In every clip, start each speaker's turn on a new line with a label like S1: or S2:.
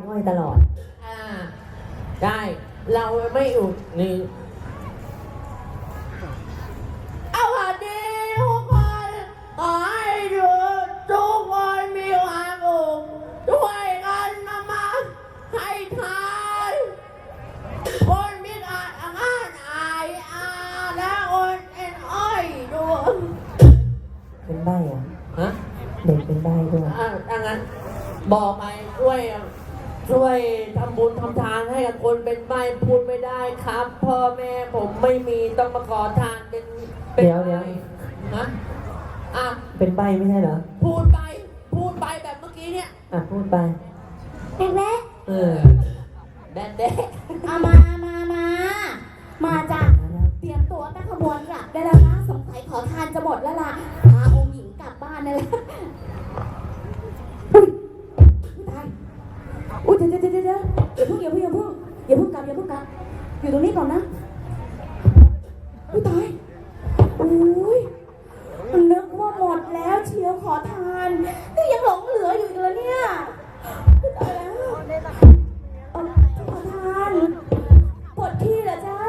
S1: อ้อยตลอด
S2: ได้เราไม่อุดนี่เอาวันนี้ทุกคนขอให้ดูทุกคนมีความสุขช่วยกันมาให้ทานคนมีอาการอายและคนเป็นอ้อยด้วย
S1: เป็นใบ้อะ
S2: ฮะ
S1: เด็กเป็นใบ้ด้วย
S2: ดังนั้นบอกไปช่วยทำบุญทำทานให้กับคนเป็นใบ้พูดไม่ได้ครับพ่อแม่ผมไม่มีต้องมาขอทานเป็น
S1: เดี๋ยว
S2: นะ
S1: เป็นใบ้ไม่ใช่เหรอ
S2: พูดไปแบบเมื่อกี้เนี่ย
S1: พูดไป
S3: แบ๊ะแบ๊ะ
S2: แดดเด็ก
S3: มาจ้ะเตรียมตัวตั้งขบวนกลับได้แล้วนะสงสัยขอทานจะหมดแล้วล่ะพาองค์หญิงกลับบ้านนั่นแหละตายอุ้ยเดี๋ยวอย่าเพิ่งกลับอยู่ตรงนี้ก่อนนะอุ้ยตายอุ้ยนึกว่าหมดแล้วเชียวขอทานนี่ยังหลงเหลืออยู่เลยเนี่ยตายแล้วขอทานปวดขี้เหรอจ๊ะ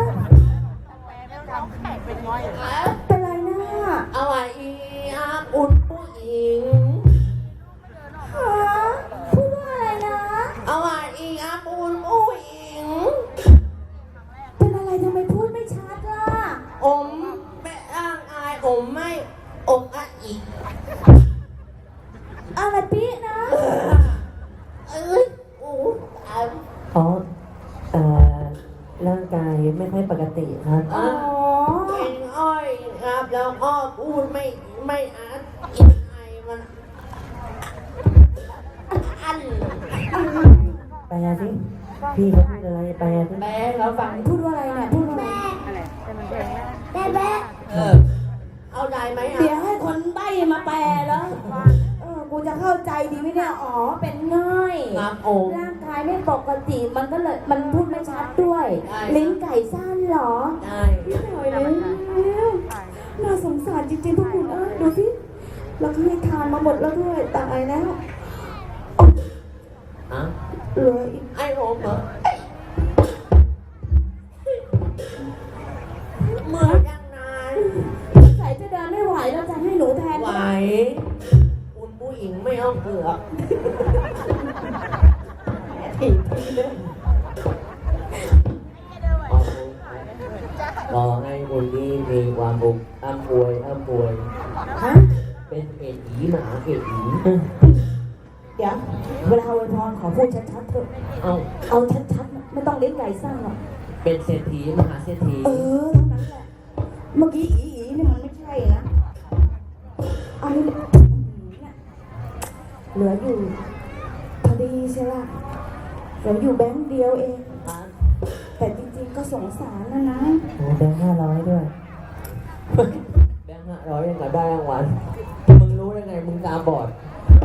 S3: เป็นไรนะ
S2: เอาไว้อุ่นผู้หญิง
S3: พูดว่าอะไรนะ
S2: เอาไว้อุ่นผู้หญิง
S3: เป็นอะไรทำไมพูดไม่ชัดล่ะ
S2: ไม่ร่างอายไม่อีก
S3: อะไรปี๊นะ
S1: อ๋อร่างกายไม่ค่อยปกติครับ
S2: เป็นอ้อยครับแล้วก็พูดไม่อีกไอมัน
S1: แปลสิพี่เขาพูดอะไรแปลสิ
S2: แม่เราฟัง
S3: พูดว่าอะไรเนี่ยพูดว่าแบ๊ะ
S2: เอาได้ไหม
S3: เดี๋ยวให้คนใบ้มาแปลแล้วกูจะเข้าใจดีไหมเนี่ยอ๋อเป็นง่อยร่างกายไม่ปกติมันก็เลยมันพูดไม่ชัดด้วยลิ้นไก่สั้นเหรอ
S2: ใช่
S3: หน่อยเลยน่าสงสารจริงๆพวกคุณดูสิเราให้ทานมาหมดแล้วด้วยตายแล้วเหลืออีก
S2: ไอ้ผมเหรอเมื่อยังนาน
S3: ใส่จะเดินไม่ไหวแล้วจะให้หนูแทน
S2: ไหวคุณผู้หญิงไม่เอาเปลือกขอให้คนนี้มีความบุญอ้ำป่วยเป็นเศรษฐีมหาเศรษฐี
S3: เดี๋ยวเวลาอวยพรขอพูดชัดๆเถอะเอาชัดๆไม่ต้องเลี้ยงไก่สร้างหรอก
S2: เป็นเศรษฐีมหาเศรษฐี
S3: เท่านั้นแหละเมื่อกี้อีนี่มันไม่ใช่นะอันนี้เนี่ยเหลืออยู่พอดีใช่ไหมเหลืออยู่แบงค์เดียวเองแต่จริงๆก็สงสารนะ
S1: โอ้แบงค์500ด้วย
S2: แบงค์500ยังไงได้รางวัลมึงรู้ได้ไงมึงตาบอด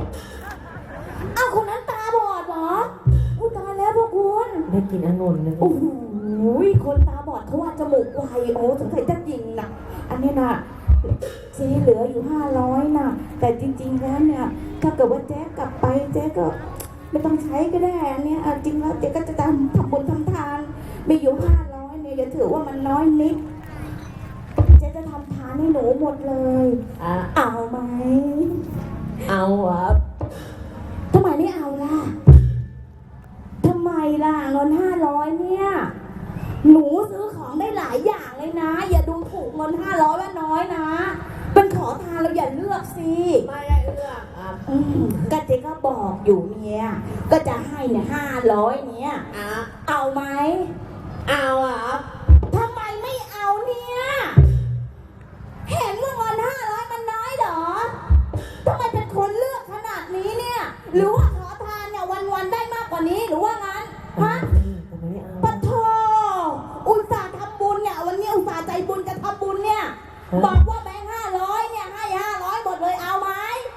S3: คนนั้นตาบอดเหรออุ้ยตายแล้วพวกคุณ
S1: ได้กินองุ่นเลย
S3: โอ้โหคนตาบอดเขาว่าจมูกไวสงสัยจะยิงนะอันนี้นะเจ๊เหลืออยู่500นะแต่จริงๆแล้วเนี่ยถ้าเกิดว่าแจ๊กกลับไปแจ๊กก็ไม่ต้องใช้ก็ได้อันนี้จริงแล้วเจ๊ก็จะทำบุญทำทานมีอยู่500เนี่ยอย่าถือว่ามันน้อยนิดเจ๊จะทำทานให้หนูหมดเลยเอาไหม
S2: เอาครับ
S3: ทำไมไม่เอาล่ะทำไมล่ะเงิน500เนี่ยหนูซื้อของได้หลายอย่างเลยนะอย่าดูถูกเงิน500ว่าน้อยนะเป็นขอทานเราอย่าเลือกสิ
S2: ไม่ได้เลือก
S3: ก็เจ๊ก็บอกอยู่เนี่ยก็จะให้เนี่ย500เนี่ยเอาไหม
S2: เอาครับ
S3: ทำไมไม่เอาเนี่ยเห็นว่าเงิน500มันน้อยเหรอทำไมเป็นคนเลือกขนาดนี้เนี่ยหรือว่าขอทานเนี่ยวันๆได้มากกว่านี้หรือว่างั้นฮะปะโถอุตส่าห์ทำบุญเนี่ยวันนี้อุตส่าห์ใจบุญจะทำบุญเนี่ยบอกว่าแบงค์500เนี่ยให้500หมดเลยเอาไหม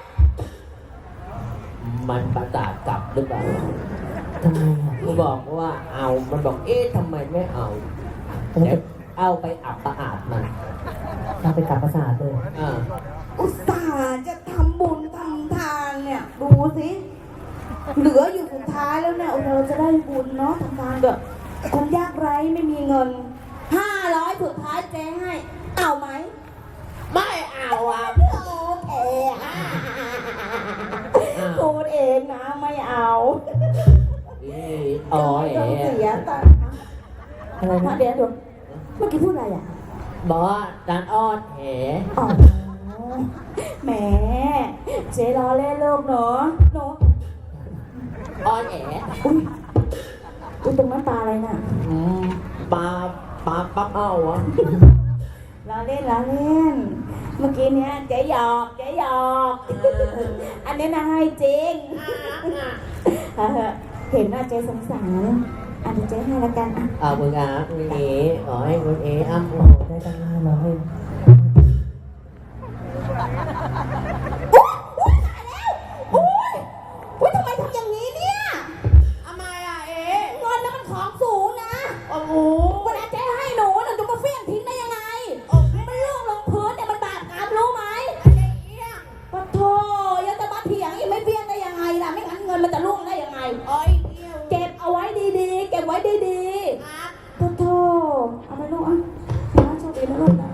S2: มันประสาทกลับหรือเปล่า
S1: ทำไม
S2: กูบอกว่าเอามันบอกทำไมไม่เอาเอาไปอับประอาดมัน
S1: เอาไปกลับประสาทเลย
S3: อุตส่าห์จะทำบุญทำทานเนี่ยดูสิเหลืออยู่สุดท้ายแล้วเนี่ยเราจะได้บุญเนาะทำงานแบบคนยากไร้ไม่มีเงิน500สุดท้ายเจ๊ให้เอาไหม
S2: ไม่เอาอ่ะ
S3: โอเคพูดเองนะไม่เอา
S2: อ๋อ
S3: ต้องเสียตัง
S1: อะไร
S3: ค์
S1: นะ
S3: เดี๋ยวเมื่อกี้พูดอะไรอ่ะ
S2: บอกว่าจานอ้อนแห
S3: อ๋อแหมเจ๊ล้อเล่นโลกเนาะเนาะ
S2: อ้อนแห
S3: อุ้ยตรงนั้นปลาอะไรน่ะ
S2: ปลาปักเอาอ่ะ
S3: ล้อเล่นล้อเล่น เมื่อกี้เนี้ยเจ๊หยอกอันนี้นะให้จริงเห็นว่าเจ๊สงสารอันนี้เจ๊ให้ละกันอ่ะ
S2: เอาคุณอาคุณเอ๋ขอให้คุณเอ๋อ้ำ
S1: โอ้โหได้ตั้ง500
S3: อุ้ยทำไมทำอย่างนี้เนี่ย
S2: ทำไมอ่ะเอ๋
S3: เงินนั้นมันของสูงนะ
S2: โอ้โห
S3: เวลาเจ๊ให้หนูจะมาเฟี้ยงทิ้งได้ยังไงมันล่วงลงพื้นเนี่ยมันบาปกรรมรู้ไหม
S2: อะไรเอี้ยง
S3: ปะโถยังจะมาเถียงอีกไม่เฟี้ยงได้ยังไงล่ะไม่งั้นเงินมันจะล่วงได้ยังไง
S2: โอ้ยเอี้ยง
S3: เก็บเอาไว้ดีๆ เก็บไว้ดี
S2: ครับ
S3: ๆปะโถเอาไปลูกอ่ะนะโชคดีนะลูกนะ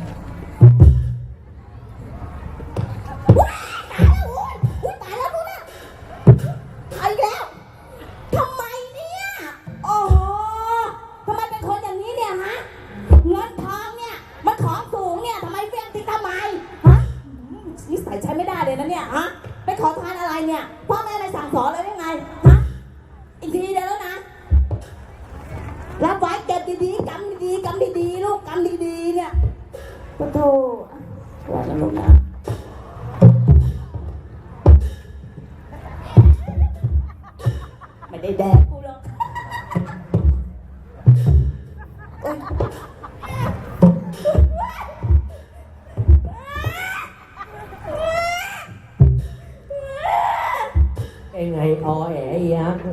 S3: ว้ายตายแล้วอุ๊ยตายแล้วลูกนะเอาอีกแล้วทำไมเนี่ยโอ้โหทำไมเป็นคนอย่างนี้เนี่ยฮะเงินทองเนี่ยมันของสูงเนี่ยทำไมเฟี้ยงทิ้งทำไมฮะนิสัยใช้ไม่ได้เลยนะเนี่ยฮะไปขอทานอะไรเนี่ยพ่อแม่ไม่สั่งสอนเลยได้ไงฮะอีกทีเดียวแล้วนะรับไว้เก็บดีๆกำดีๆกำดีๆลูกกำดีๆเนี่ยปะโถว่าแล้วลูกนะไม่ได้แดกกูหรอกโอ๊ย
S2: เอ็งไงอ๋อแหยักษ์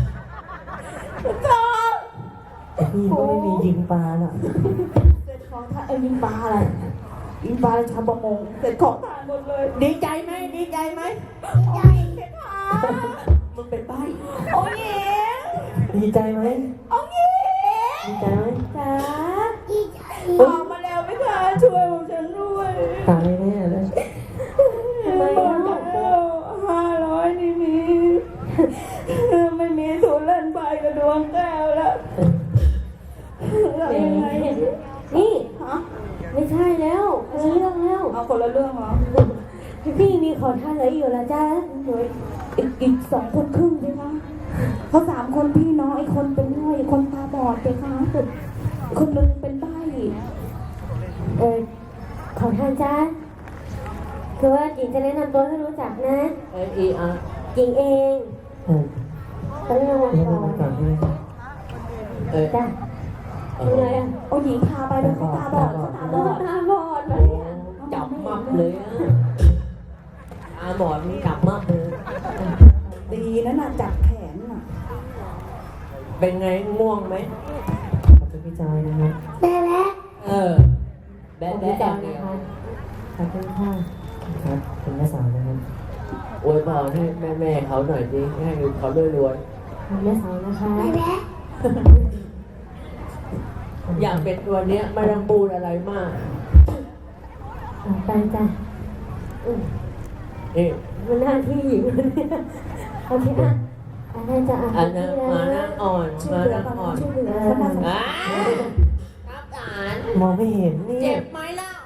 S1: แต่พี่ก็ไม่มียิงปลาหรอก
S3: เสร็จของทานยิงปลาอะไรยิงปลาชาวประมงเสร็จของทานหมดเลย
S2: ดีใจไหมดีใจไหม
S3: ใหญ่เสร็จทาน
S2: มึงเป็นใบ้
S3: โอ้ยเอ๋
S1: ดีใจไหม
S3: โอ้ยเอ๋
S1: ดีใจไหม
S3: จ๋าออกมาแล้วไม่ค่ะช่วยผมฉันด้วย
S1: ตายแน่เลย
S3: ทำไมแล้ว500นี่มีไม่มีทุนเล่นไฟกับดวงแก้วแล้วเรายังไง
S4: นี่
S3: ฮะ
S4: ไม่ใช่แล้วคนละเรื่องแล้ว
S3: เอาคนละเรื่องเหรอ
S4: พี่มีขอทานเหลืออยู่แล้วจ้า
S3: โอ้ยอีก2 คนครึ่งใช่ไหมเขา3 คนพี่น้องอีกคนเป็นง่อยอีกคนตาบอดเลยค่ะอีกคนนึงเป็นใบ้
S4: ขอทานจ้าคือว่าหญิงจะแนะนำตัวให้รู้จักนะ
S2: อีอ่ะ
S4: หญิงเอง
S1: เออ
S4: เขาเรียกว่า
S1: เดี๋ยว
S4: ก่อ
S1: มาน ก่อนพี่
S4: จ้าเป็นไงอ่ะ
S3: เอาหญิงพาไปแล้วเขาตาบอดเขาตาบอด
S4: ตาบอดไหมอ่ะ
S2: จับมับเลยอ่ะตาบอดมึงจับมับเลย
S3: ดีนะน่ะจับแขนน่ะ
S2: เป็นไงง่วงไหม
S1: ขอบคุณพี่จอยนะครับ
S4: แม่แล้ว
S2: เออ
S4: ข
S2: แบ๊ะ
S4: อบคุณ
S2: แบ๊ะ
S4: จ้า
S2: เดี
S4: นะ
S2: ยว
S4: คะ
S1: ขอบคุณค่ะครับคุณแม่สาวนะครับ
S2: อวยพรให้แม่เขาหน่อยสิให้เขารวย
S4: ขอบคุณแม่สาวนะคะ
S2: ๆอยากเป็นตัวเนี้ยไม่ต้องพูดอะไรมาก
S4: ไปจ้า
S2: นี่
S4: มันหน้าที่หญิงมันเนี่ยโอเคอ่ะอันนั้นจะอ่ะ
S2: อันนั้นมานั่งอ่อน
S3: ช่ว
S2: มาย
S3: เหลือ
S2: นั่ง
S3: ก่อน
S2: อ่อน
S3: ช่วยเหลือเขามาสง
S2: อ่า
S3: สาร
S2: ครับหลาน
S1: มองไม่เห็นนี่
S2: เจ็บไหมล่ะ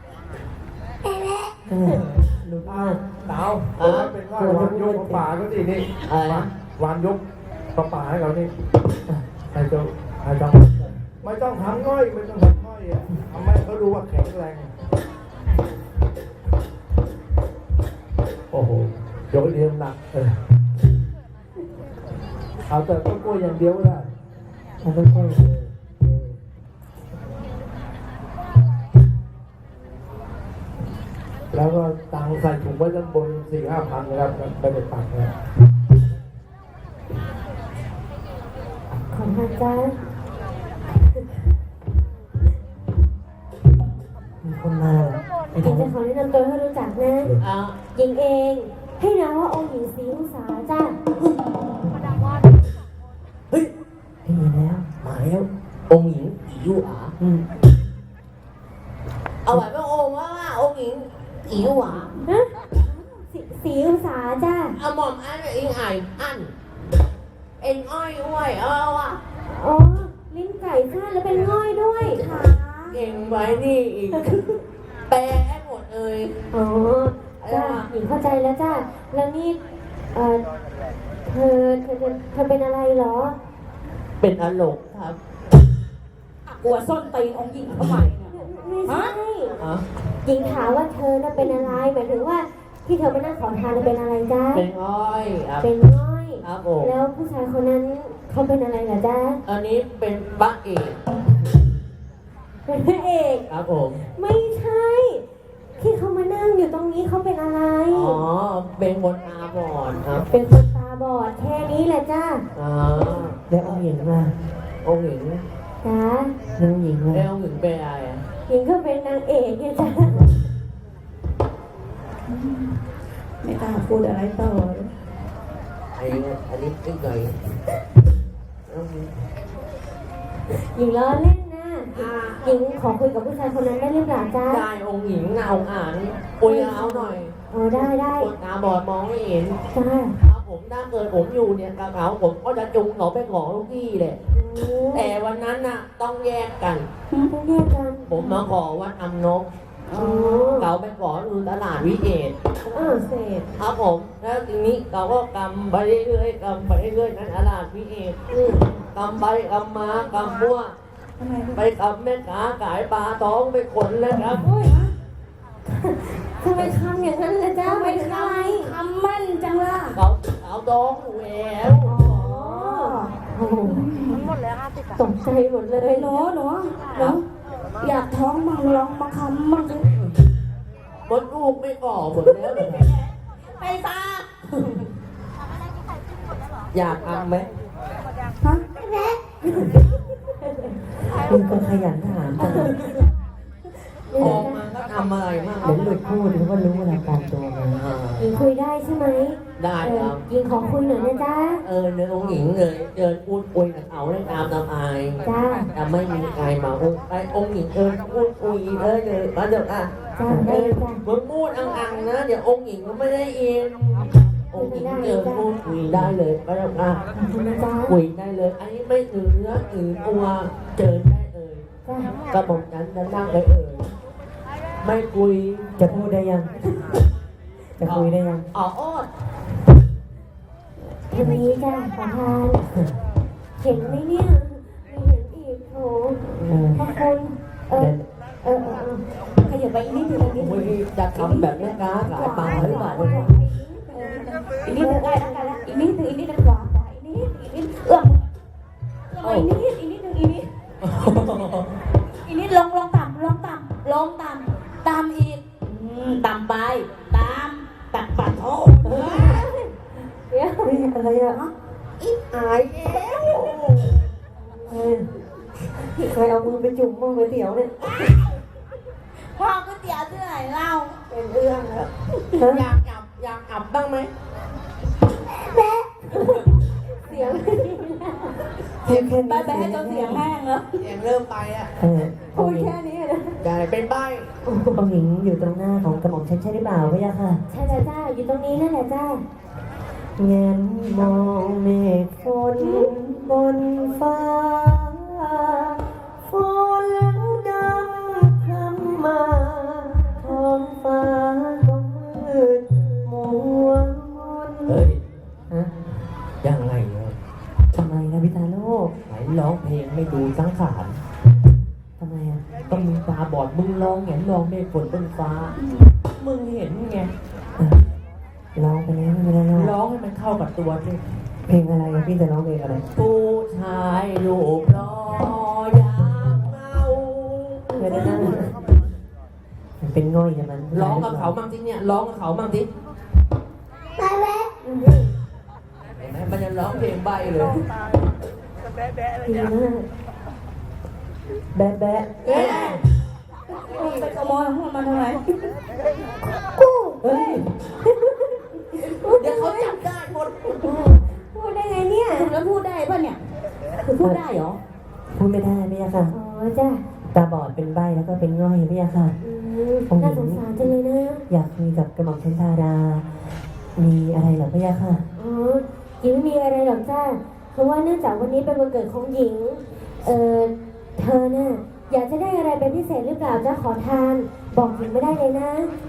S1: เออรู้มาก
S5: เต๋าเป็นว่าวานยกป่าก็สินี่
S2: อะไรนะ
S5: วานยกป่าให้เรานี่ใครจะไม่ต้องทำง่อยไม่ต้องทำง่อยอ่ะทำให้เขาดูว่าแข็งแรงโอ้โหยกเรียงหนักเอาแต่ต้นกล้วยอย่างเดียวก็ได้
S1: ทำค่อยๆ
S5: แล้วก็ตังใส่ถุงไว้ด้านบน 4-5 พันนะครับไปในปากนะ
S4: ขอทานจ้า
S1: มีคนมาเหรอไอ้
S4: หญิ
S1: ทาง ง
S4: จะขอแนะนำตัวให้รู้จักนะ
S2: เอา
S4: หญิงเอง ให้นามว่าองค์หญิงศรีอุษาจ้า
S2: เฮ้ย
S1: ได้ยินแล้ว
S2: มาแล้วองค์หญิงอียูอา เอาไว้ว่าองค์ว่าองค์หญิงอียูอา
S4: ฮะสีอุตสาจ้า
S2: เอาหม่อมอันอิงไออันเอ็นอ้อยอ้วยเอาอ่ะ
S4: อ๋อ ลิ้นไก่สั้นแล้วเป็นง่อยด้วยค่ะ
S2: เก่งไว้นี่อีกแปลให้หมดเลย
S4: อ๋อ จ้าหญิงเข้าใจแล้วจ้า แล้วนี่ เธอเป็นอะไรเหรอ
S2: เป็นอารมณ์ครับ
S3: กลัวส้นตีนองค์หญิงทำไมเนี่ย
S4: ไม่ใช่
S2: อ๋อ
S4: หญิงถามว่าเธอน่ะเป็นอะไร หมายถึงว่าที่เธอมานั่งขอทานน่ะเป็นอะไรจ้า
S2: เป็นอ้อยครับ
S4: เป็นง่อย
S2: ครับผม
S4: แล้วผู้ชายคนนั้นเขาเป็นอะไรเหรอจ้า
S2: อันนี้เป็นบ้าเอก
S4: เป็นพระเอก
S2: ครับผม
S4: ไม่ใช่ ที่เขามานั่งอยู่ตรงนี้เขาเป็นอะไร
S2: อ๋อเป็นคนตาบอดครับ
S4: เป็นคนตาบอดแค่นี้แหละจ้า
S2: อ๋อ
S1: แล้วองค์หญิงล่ะ
S2: องค์หญิง
S4: จ้า
S1: แล้วองค์หญิง
S2: แล้
S1: ล่ะ
S2: วองค์หญิงเป็นอะไรอ่ะ
S4: หญิงก็เป็นนางเอกไงจ้า
S3: ไม่กล้าพูดอะไรต่อเลย
S2: อันนี้ตึ้งไง
S4: หญิงล้อเล่นนะหญิงขอคุยกับผู้ชายคนนั้นได้หรือเปล่าจ้า
S2: ได้องค์หญิงนะองค์อ่านปุยเอาหน่อย
S4: อ๋อได้ได้
S2: คนตาบอดมองไม่เห็น
S4: จ้า
S2: ถ้าผมถ้าเกิดผมอยู่เนี่ยกับเขาผมก็จะจุงเขาไปขอลูกพี่แหละ แต่วันนั้นน่ะต้องแยกกัน
S4: ต้องแยกกัน
S2: ผมมาขอวัดอำนก
S4: อ๋อ
S2: เขาไปขอดูตลาดวิเอต
S3: เศษ
S2: ครับผม แล้วทีนี้เขาก็กำไปเรื่อยๆกำไปเรื่อยๆนั้นตลาดวิเอตกำไปกำมากำมั่ว
S3: ทำไม
S2: ไปกำแม่ค้าขายปลาท้องไปขนเลยครับ
S4: ทำไมทำอย่างนั้นล่ะจ้าไปถึงอะไร
S3: ทำมั่นจังล่ะ
S2: เขาท้องแหวว
S4: อ๋อโอ้โหตกใจหมดเลย
S3: หนูอยากท้องมั่งลองมาคำมั่งสิ
S2: มดลูกไม่ก่อหมดแล้ว
S3: ไปซะ
S2: อยากทำไหม
S3: ฮะ
S1: คุณก็ขยันถามจัง
S2: ออกมาก็ทำอะไรมาก
S1: เดี๋ยวหลุดพูดเขาก็รู้เวลาการตัวมา
S4: หญิงคุยได้ใช่ไหม
S2: ได้ครับ
S4: หญิงขอคุยหน่อยนะจ้า
S2: เนื้อองค์หญิงเลยเดินพูดคุยกับเขาได้ตามอาย
S4: จ้า
S2: แต่ไม่มีใครมาองค์หญิงเดินพูดคุยเลยมาเดี๋ยวอ่ะ
S4: จ้าได้เลยจ้า
S2: มึงพูดอังๆนะเดี๋ยวองค์หญิงก็ไม่ได้ยินองค์หญิงเดินพูดคุยได้เลยมาเดี๋ยวอ่ะ
S4: ขอบคุณนะจ้า
S2: คุยได้เลยอันนี้ไม่ถือเนื้อถือตัวเจิญได้เลย
S4: จ้า
S2: กระบอกนั้นจะนั่งเลยไม่คุย
S1: จะพูดได้ยัง จะคุยได้ยัง
S2: อ๋ออ้อน
S4: ทางนี้จ้าขอทานเห็นไหมเนี่ยไม่เห็นอีกโถ
S1: เออ
S4: ขอบคุณขยับไปอีกนิดนึงอีกนิด
S2: โอ้
S4: นึ
S2: ย
S4: ง
S2: จะทำแบบแม่ค้าขายปลาหรือเปล่าเนี่ย
S3: อีกนิดนึงได้แล้วกันละอีกนิดนึงอีกนิดนึงขวาอีกนิดอีกนิดอีกนิดอีกนิดนึงอีกนิดอีกนิดลงต่ำต่ำอีกต่ำไปตัดปัดโอ้
S4: เดี๋ยว
S1: เฮ้ยอะไรอ่ะ
S2: อายแล้ว
S1: เฮ้ยใครเอามือไปจุ่มมือไปเตี๋ยวเนี่ย
S3: พ่อก๋วยเตี๋ยวที่ไหนเล่า
S2: เป็นเรื่องแล้วอยากอับบ้างไหม
S4: เสียง
S1: เพียงแค่นี้
S3: ไปให้จนเสียงแห้งแล้ว
S2: เสียงเริ่มไปอ่ะ
S3: พูดแค่นี้เลย
S2: ใหญ่เป็นใบ
S1: องค์หญิงอยู่ตรงหน้าของกระหม่อมฉันใช่หรือเปล่าพะยะค่ะ
S4: ใช่แล้วจ้าอยู่ตรงนี้นั่นแหละจ้า
S1: เงินมองเมฆฝนบนฟ้าฝนดำคล้ำมาท้องฟ้าก็มืดมัวมน
S2: เฮ้ย
S1: ฮะ
S2: ยังไงเนี่ย
S1: ทำไมนะพิธาโลก
S2: ไหนร้องเพลงไม่ดูสังขาร
S1: ทำไมอ่ะ
S2: ต้องมึงตาบอดมึงร้องเห็นร้องเมฆฝนบนฟ้า มึงเห็นไง
S1: ร้องไปแล้วไม่เป็นไรหรอก
S2: ร้องให้มันเข้ากับตัวสิ
S1: เพลงอะไรอะพี่จะร้องเพลงอะไร
S2: ผู้ชายรูปรออยากเมา
S1: ไม่ได้นั่งมันเป็นง่อยใช่ไหม
S2: ร้องกับเขามั่งสิเนี่ยร้องกับเขามั่งสิ
S4: ไปแวะ
S2: เห็นไหมมันจะร้องเพลงใบเลย
S4: ดีมาก
S1: แบ๊ะแบ๊ะ
S2: เอ๊ะ
S3: ไปขโมยของมันทำไม
S1: เฮ้ย
S4: โอ้
S2: เดี๋ยวเขาจับได้หมด
S4: พูดได้ไงเนี่ย
S3: แล้วพูดได้ป่ะเนี่ยคือพูดได้เหรอ
S1: พูดไม่ได้พี่ยาค่ะ
S4: อ๋อจ้ะ
S1: ตาบอดเป็นใบ้แล้วก็เป็นง่อยพี่ยาค่ะ
S4: น่าสงสารจังเลยนะ
S1: อยากคุยกับกระหม่อมชันดารา มีอะไรเหรอพี่ยาค่ะ
S4: อ๋อหญิงไม่มีอะไรหรอกจ้าเพราะว่าเนื่องจากวันนี้เป็นวันเกิดของหญิง เธอน่ะอยากจะได้อะไรเป็นพิเศษหรือเปล่าจ้าขอทาน บอกหญิงไม่ได้เลยนะ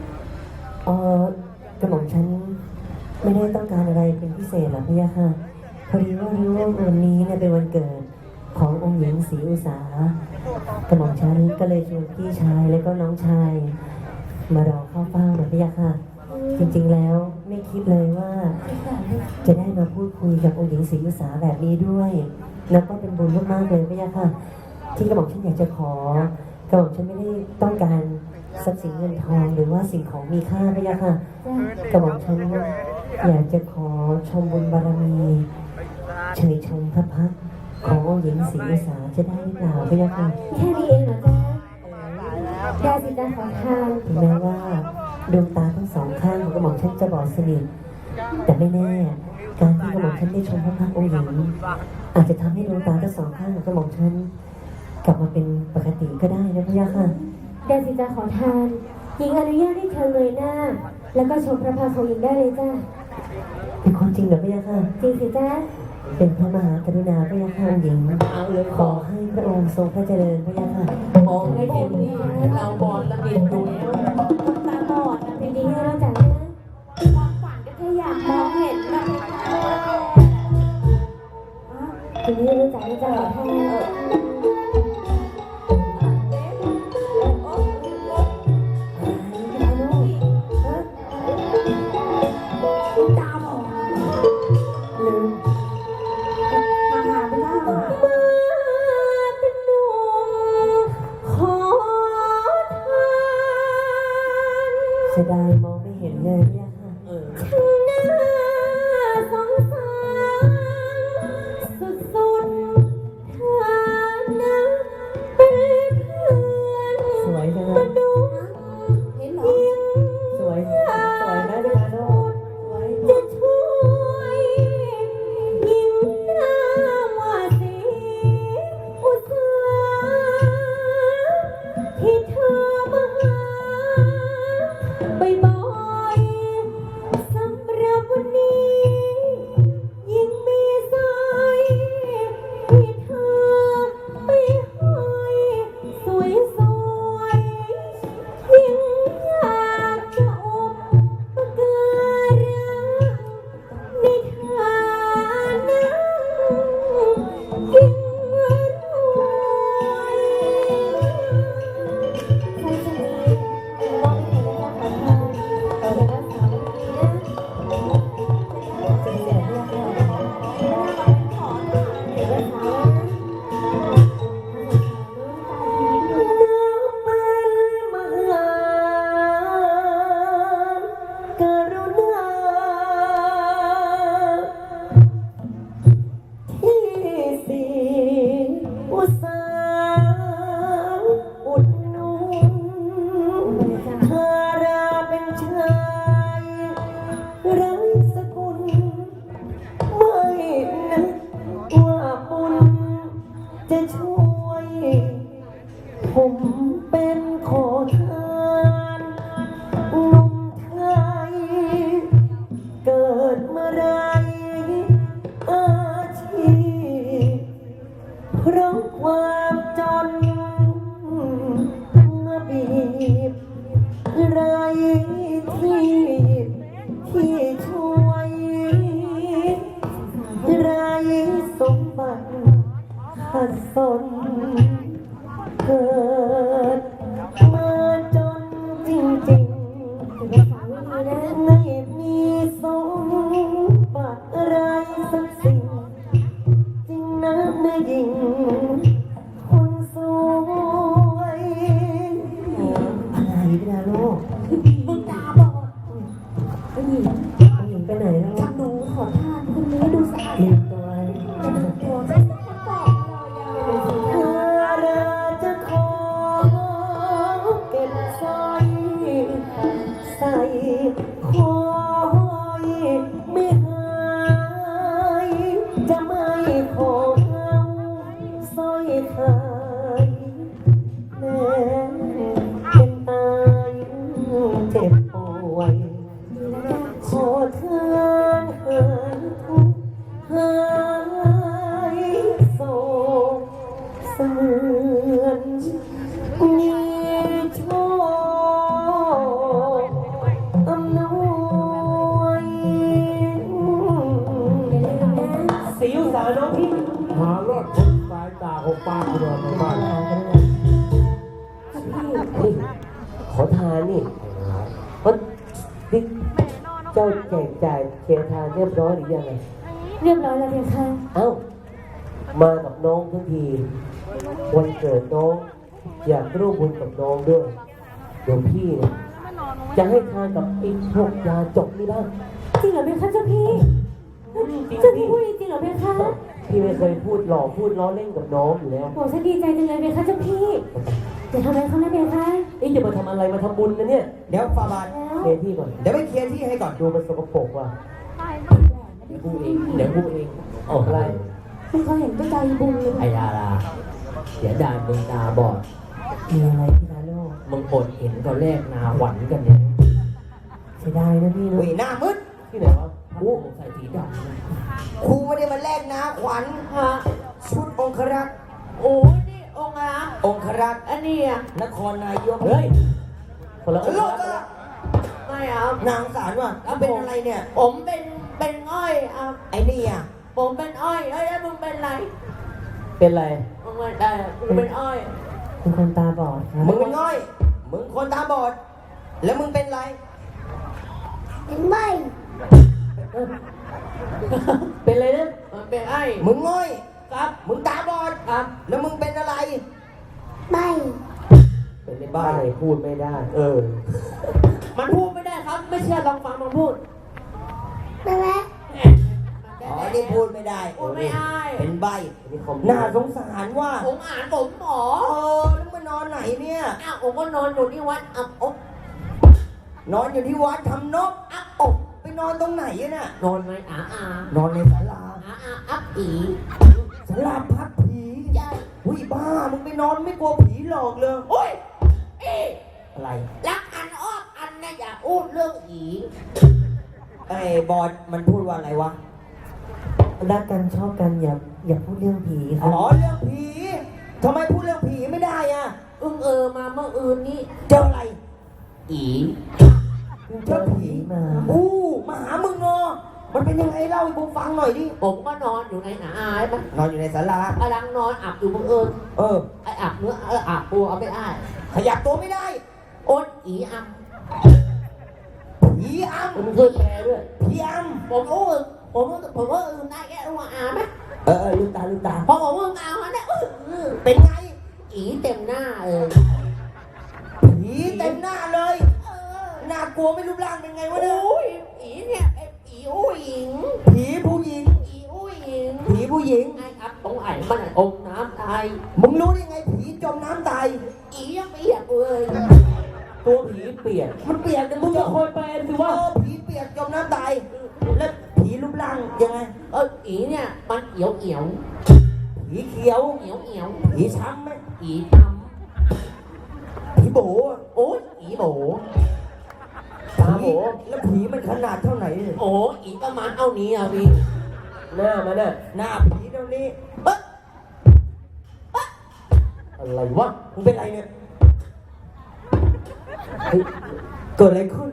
S1: กระหม่อมฉันไม่ได้ต้องการอะไรเป็นพิเศษหรอกพี่ยาค่ะ พอดีว่ารู้ว่าวันนี้เนี่ยเป็นวันเกิดขององค์หญิงศรีอุษากระหม่อมฉันก็เลยชวนพี่ชายและก็น้องชาย มารอเข้าเฝ้านะพี่ยาค่ะ จริงๆแล้วไม่คิดเลยว่า จะได้มาพูดคุยกับองค์หญิงศรีอุษาแบบนี้ด้วย แล้วก็เป็นบุญมากๆเลยพี่ยาค่ะ ที่กระหม่อมฉันอยากจะขอกระหม่อมฉันไม่ได้ต้องการทรัพย์สินเงินทองหรือว่าสิ่งของมีค่าพี่ยาค่ะ กระหม่อมฉันอยากจะขอชมบุญบารมีเฉยชมพระพักตร์ขององค์หญิงศรีอุษาจะได้หรือเปล่าพี่ยาค่ะ
S4: แค่นี้เองเหรอจ๊ะได้สิจ้าขอทาน
S1: ถึงแม้ว่าดวงตาทั้งสองข้างของกระหม่อมฉันจะบอดสนิทแต่ไม่แน่การที่กระหม่อมฉันได้ชมพระพักตร์องค์หญิงอาจจะทำให้ดวงตาทั้งสองข้างของกระหม่อมฉันกลับมาเป็นปกติก็ได้นะพี่ยาค่ะ
S4: ได้สิจ้าขอทานหญิงอนุญาตให้เธอเลยหน้า แล้วก็ชมพระพักตร์ของหญิงได้เลยจ้า
S1: เป็นความจริงเหรอพี่ยาค่ะ
S4: จริงสิจ้า
S1: เป็นพระมหากรุณาพี่ยาค่ะองค์หญิง
S2: เอาเลย
S1: ขอให้พระองค์ทรงพระเจริญพี่ยาค่ะ
S2: มองให้เต็มที่เราบอลละเอียดดูแล้ว
S3: ตาบอดนะ
S4: เป็นดีให้เราจ้านะ
S3: ความฝันก็แค่อยากมองเห็นนะ
S4: เป็นดีให้เราจ้านะจ้าขอทาน
S3: ตาบอด
S1: ลืม
S3: หาไม่ได้
S4: เป็นหนุ่มขอทาน
S1: เสียดายมองไม่เห็นเลยพี่ยาค่ะ
S2: เออ
S4: หน้าสงสารสุดๆเธอนะเป็นเพื่อน
S1: สวยจังเล
S4: ม
S1: ย
S4: นุษย์
S3: เห็นเหรอ
S1: สวยไหมพี่ยาโน
S4: จะช่วยยิ่งหน้าว่าสีอุตสาที่เธอมาหาบ่อยๆสำหรับวันนี้ ยิ่งมีสายที่เธอไปห้อยสวยๆยิ่งอยากจะอบปการะในฐานะยิ่งรวยใครจะมีมองไม่เห็นแล้วจะขอทานแต่จะรักษาวันนี้นะ
S1: จริงเหรอพี่ยาค่ะ
S4: เดี๋ยวรักษานะ
S1: มหากรุณาที่ศรีอุษาอุดหนุนเธอราเป็นชายไร้สกุลไม่นึกว่าบุญจะช่วย ผมเป็นขอทานหนุ่มไทย เกิดเมื่อไรอาชีพเพราะความจนมาบีบไรที่ช่วยไรสมบัติขัดสน เกิดมาจนจริง
S4: เดี๋ยวรักษาวันนี้นะ
S1: ๆ ไม่มีสมบัติอะไรสักสิ่ง จริงนะแม่หญิง คนสวยอะไรพี่ดาโลก
S3: มึงตาบอด
S1: ผู้หญิงไปไหนแล้ว
S3: หนูขอทานคนนี้ดูสะอาด
S1: ลืมตัว
S3: ตัวไม่สกปรกเลยอ่ะ
S1: เธอราจะขอเก็บสร้อยใส่คอย
S4: พี่
S5: หารอดคนสายตาของป้าคุณนอนในบ้าน
S1: นี่ขอทานนี่ว่านี่เจ้าแจกจ่ายเคลียร์ทานเรียบร้อยหรือยังไง
S4: เรียบร้อยแล้วเพคะ
S1: เอ้า มากับน้องทั้งที วันเกิดน้อง อยากร่วมบุญกับน้องด้วยเดี๋ยวพี่เนี่ยจะให้ทานกับไอ้พวกยาจกนี่บ้าง
S4: จริงเหรอเพคะเจ้าพี่
S1: จริง
S4: เจ้าพี่
S1: พี่
S4: พูดจริงเหรอเพคะ
S1: พี่ไม่เคยพูดหลอกพูดล้อเล่นกับน้องอยู่แล้ว
S4: โอ้ฉันดีใจจังเลยเพคะเจ้าพี่จะทำอะไรเขานะเพคะ
S1: นี่จะมาทำอะไรมาทำบุญนะเนี่ย
S6: เดี๋ยวฟาบาท
S4: แล้ว
S1: เคลียร์ที่ก่อน
S6: เดี๋ยวไปเคลียร์ที่ให้ก่อน
S1: ดูมันสกปรกว่ะ
S2: เดี๋ยวพูดเองเดี๋ยวพูดเอง
S1: ออกอะไร
S3: ไม่เคยเห็นก็ใจบุญเลย
S2: ไอ้ดาราเสียดายมึงตาบอด
S1: มีอะไรพี่ลาโลก
S2: มึงอดเห็นตอนแรกนาหวันกันเนี่ย
S1: เสียดายนะพี่นะ
S6: อุ้ยหน้ามืด
S1: ที่ไหนวะ
S2: กูใส่สีดำนะ
S6: ครูไม่ได้มาแลกนะขวัญ
S2: ฮะ
S6: ชุดองครักษ์
S2: โอ้ยนี่องค์อะ
S6: องครักษ์
S2: อันนี้อะ
S6: นครนายก
S1: เฮ้ย คนละอง
S6: โล
S1: ค์
S6: กก็
S2: ไม่เอา
S6: นางสารว่ะเอาเป็นอะไรเนี่ย
S2: ผมเป็นอ้อยอ่ะ
S6: ไอ้นี่อ่ะ
S2: ผมเป็นอ้อยเอ้ยแล้วมึงเป็นไร
S1: เป็นไร
S2: มึงเป็นได้มึงเป็นอ้อย
S1: เป็นคนตาบอดครับ
S6: มึงเป็นง่อย มึงคนตาบอด แล้วมึงเป็นอะไร
S1: เป็นไรนะ
S2: มันเป็นอ้อย
S6: มึงง่อย
S2: ครับ
S6: มึงตาบอด
S2: ครับ
S6: แล้วมึงเป็นอะไร
S1: เป็นในบ้านไหนพูดไม่ได้ เออ
S2: มันพูดไม่ได้ครับ ไม่เชื่อลองฟังมันพูด
S6: อ๋อ นี่พูดไม่ได้
S2: พูดไม่ได้
S6: เป็นใบ
S1: อันนี้คอม
S6: น่าสงสารว่า
S2: ผมอ่านผมหมอ
S6: แล้วมานอนไหนเนี่ย
S2: อ้าวผมก็นอนอยู่ที่วัดอับอบ
S6: นอนอยู่ที่วัดทำนก
S2: อับอบ
S6: ไปนอนตรงไหนอะน่ะ
S2: นอนไหมอาน
S6: อนในศาลา
S2: อับอี
S6: ศาลาพักผี
S2: ใช่
S6: หุ้ยบ้า มึงไปนอนไม่กลัวผีหลอกเลย
S2: โอ้ยอี
S6: อะไร
S2: รักอันอ้อมอันนะอย่าพูดเรื่องอี
S6: ไอ้บอดมันพูดว่าอะไรวะ
S1: รักกันชอบกันอย่าพูดเรื่องผีค
S6: อ๋
S1: รั
S6: อบ เรื่องผีทำไมพูดเรื่องผีไม่ได้อะ
S2: มาเมื่ออื่นนี้
S6: เจออะไร
S2: อี
S1: เจอผีมา
S6: อู้มาหามึงเนาะมันเป็นยังไงเล่าให้กูฟังหน่อยดิ
S2: ผมก็นอนอยู่ในหนาอายมัน
S6: นอนอยู่ในศาลาก
S2: ำลังนอนอาบอยู่บังเอิญ
S6: เออ
S2: ไออาบเนื้ออาบตัวเอาไม่ได้
S6: ขยับตัวไม่ได้
S2: โอ๊ตอีอัม
S6: ผีอำ
S1: มึงช่วยแปลด้วย
S6: ผีอ
S2: ผมรู้อึผมว่าอึได้แค่รู้ว่าอาไหม
S6: ำลืมตาลืมตา
S2: พอผมอึอาเขาเนี่ย
S6: เป็นไง
S2: อีเต็มหน้าเลย
S6: ผีเต็มหน้าเลย น่ากลัวไม่รูปร่างเป็นไงวะเนี่ย
S2: โอ้ยอีเนี่ยไออีอู้หญิง
S6: ผีผู้หญิง
S2: อีอู้หญิง
S6: ผีผู้หญิง
S2: ไอ้อับตรงไอ้มันอมน้ำตาย
S6: มึงรู้ได้ไงผีจมน้ำตาย
S2: อียังเปียกเลย
S1: ตัวผีเปียก
S6: มันเปียกแต่
S1: มึ
S6: มึ
S1: ง
S6: ง
S1: จะ
S6: จะ
S1: คอยแปลสิว่า
S6: ผีเปียกจมน้ำตาย แล้วผีรูปร่างยังไง
S2: อีเนี่ยมันเอียวเอียว
S6: ผีเขียว
S2: เอียวเอียว
S6: ผีช้ำไหม
S2: อีท
S6: ผีโบอะ
S2: ำโอ้ยอีโบ
S1: ตาโบ
S6: แล้วผีมันขนาดเท่าไหร่เนี่ย
S2: โอ้อีประมาณเอานี้อ่ะพี่
S1: หน้ามันน่ะ
S6: หน้าผีเท่านี้
S1: อะไรวะ
S6: มึงเป็นไรเนี่ย
S1: เฮ้ย
S6: เกิดอะไรขึ้น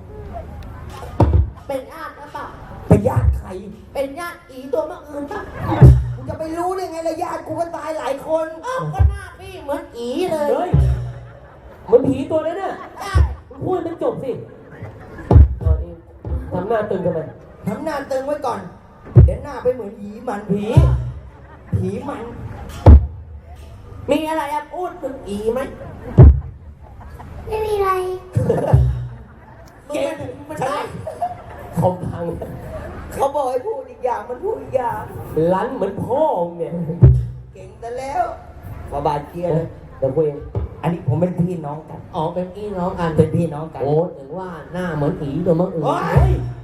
S2: เป็นญาติหรือเปล่า
S6: เป็นญาติใคร
S2: เป็นญาติอีตัวเมื่ออื่นปะ
S6: กูจะไปรู้ได้ไงล่ะญาติกูก็ตายหลายคน
S2: อ้าวก็หน้าพี่เหมือนอีเลย
S1: เฮ้ยเหมันผีตัวนั้นน่ะ
S2: ใช่
S1: มึงพูดให้มันจบสิเอาเองทำหน้าตึงทำไม
S6: ทำหน้าตึงไว้ก่อน เดี๋ยวหน้าไปเหมือนผีมัน
S1: ผี
S6: ผีมัน
S2: มีอะไรอะพูดถึงอีไหม
S4: ไม่มีอะไร
S2: เก่งมันได้
S1: คอมพัง
S6: เขาบอกให้พูดอีกอย่างมันพูดอีกอย่าง
S1: ลั้นเหมือนพ่อมึงเนี่ย
S6: เก่งแต่แล้วฟาบาทเคลียร์เลย
S1: เดี๋ยวคุยเอง
S6: อันนี้ผมเป็นพี่น้องกัน
S2: อ๋อเป็นพี่น้องกัน
S6: เป็นพี่น้องกัน
S2: โอ้ถึงว่าหน้าเหมือนอีตัวเมื่ออื่น
S6: โอ้ย